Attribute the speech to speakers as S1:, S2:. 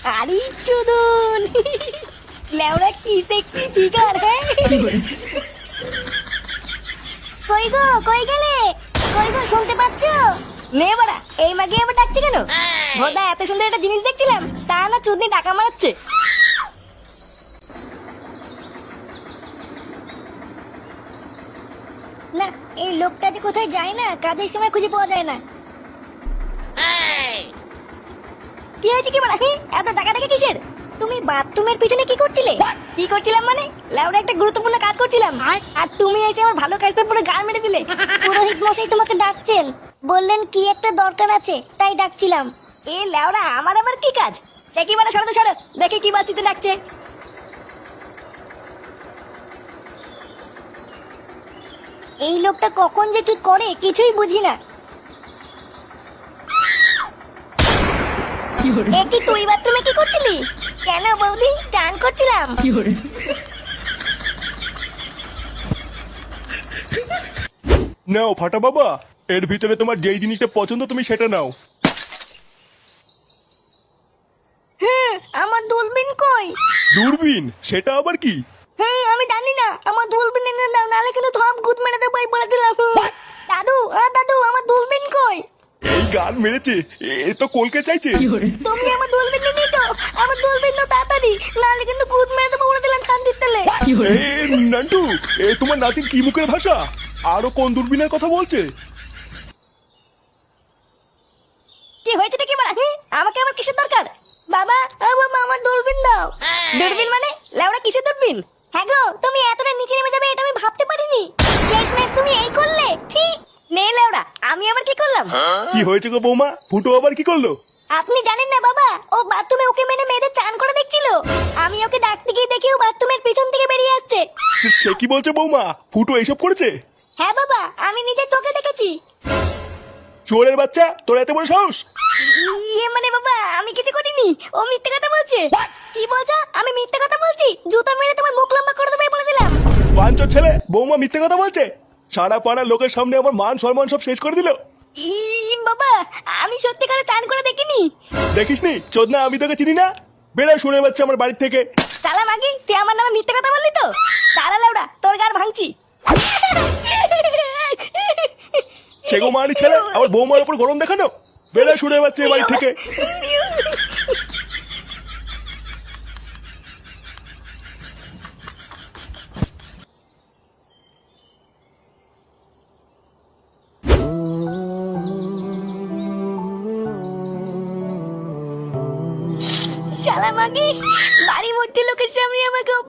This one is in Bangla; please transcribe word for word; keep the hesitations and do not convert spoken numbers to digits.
S1: আরে চুদন লেওড়া কি সেক্সি ফিগার। হ্যাঁ কই গো, কই গেলে? কই গো, শুনতে পাচ্ছ? নে বাড়া, এই মাগে আবার ডাকছে কেন? ভোদা এত সুন্দর একটা জিনিস দেখছিলাম, তা না চুদনি টাকা মারাচ্ছে। না, এই লোকটা যে কোথায় যায় না, কাজের সময় খুঁজে পাওয়া যায় না। কি হয়েছে কি বাড়া? এত টাকা টাকা কিসের? তুমি বাথরুমের পিছনে কি করছিলে? কি করছিলাম মানে? লেওড়া একটা গুরুত্বপূর্ণ কাজ করছিলাম, আর তুমি এসে আমার ভালো কাজটা পুরো গান মেরে দিলে। পুরোহিত মশাই তোমাকে ডাকছেন, বললেন কি একটা দরকার আছে, তাই ডাকছিলাম। এ লেওড়া, আমার আবার কি কাজ? দেখি মানে, সরো তো সরো, দেখি কি বাচ্চিতে ডাকছে। এই লোকটা কখন যে কি করে কিছুই বুঝি না। এ কি তুই বাথরুমে কি করছিলি? কেন বৌদি, চান করছিলাম।
S2: নাও ফাটা বাবা, এর ভিতরে তোমার যেই জিনিসটা পছন্দ তুমি সেটা নাও।
S1: হ্যাঁ, আমার দূরবীন কই?
S2: দূরবীন? সেটা আবার কি?
S1: হ্যাঁ, আমি জানি না, আমার দূরবীন এনে দাও, নালে কিন্তু থম গুদ মেরে দেবো এই বলে দিলাম। দাদু, আ দাদু, আমার দূরবীন কই?
S2: এই গান মেরেছে, এ তো কলকে চাইছে।
S1: তুমি আমার দূরবীন নিয়ে তো, আমার দূরবীন দাও তাড়াতাড়ি, নালে কিন্তু গুদ মেরে দেবো বলে দিলাম শান্তির তেলে।
S2: এ নান্টু, এ তোমার নাতির কি মুখের ভাষা? আরো কোন দূরবীনের কথা বলছে?
S1: কি হয়েছে কি বলা? আমাকে আবার কিসের দরকার? বাবা, ও বাবা, আমার দূরবীন দাও। দূরবীন মানে? লেওড়া কিসের দূরবীন? হ্যাঁ গো, তুমি এতটা নিচে নেমে যাবে এটা আমি ভাবতে পারিনি। শেষ ম্যাচ তুমি এই করলে? ঠিক নে লেওড়া, আমি আবার কি করলাম?
S2: কি হয়েছে গো বৌমা? ফুটো আবার কি করলো?
S1: আপনি জানেন না বাবা, ও বাথরুমে ওকে মেনে মেয়েদের চান করে দেখছিল। আমি ওকে ডাকতে গিয়ে দেখি ও বাথরুমের পিছন থেকে বেরিয়ে আসছে।
S2: সে কি বলছে বৌমা? ফুটো এইসব করেছে?
S1: হ্যাঁ বাবা, আমি নিজের চোখে দেখেছি।
S2: চোরের বাচ্চা, তোর এত বড় সাহস?
S1: ইয়ে মানে বাবা, আমি কিছু করিনি, ও মিথ্যে কথা বলছে। কি বলছো? আমি মিথ্যে কথা বলছি? জুতা মেরে তোমার মুখ লম্বা করে দেবে বলে দিলাম।
S2: পাঁচর ছেলে, বৌমা মিথ্যে কথা বলছে? সারা পাড়ার লোকের সামনে আমার মান সম্মান সব শেষ করে দিল।
S1: ই বাবা, আমি সত্যিকারে চান করে দেখিনি।
S2: দেখিসনি চোদনা, আমি তোকে চিনি না। বেড়া শুনে বাচ্চা আমার বাড়ির থেকে।
S1: সালা মাগি, তুই আমার নামে মিথ্যে কথা বললি তো? তারা লাউড়া, তোর গার ভাঙছি।
S2: সেগো মারি ছেলে, আমার বৌমার উপর গরম দেখানো। বেড়া শুনে বাচ্চা বাড়ি থেকে।
S1: শালা মাগি, বাড়ি ভর্তি লোকের সামনে আমাকে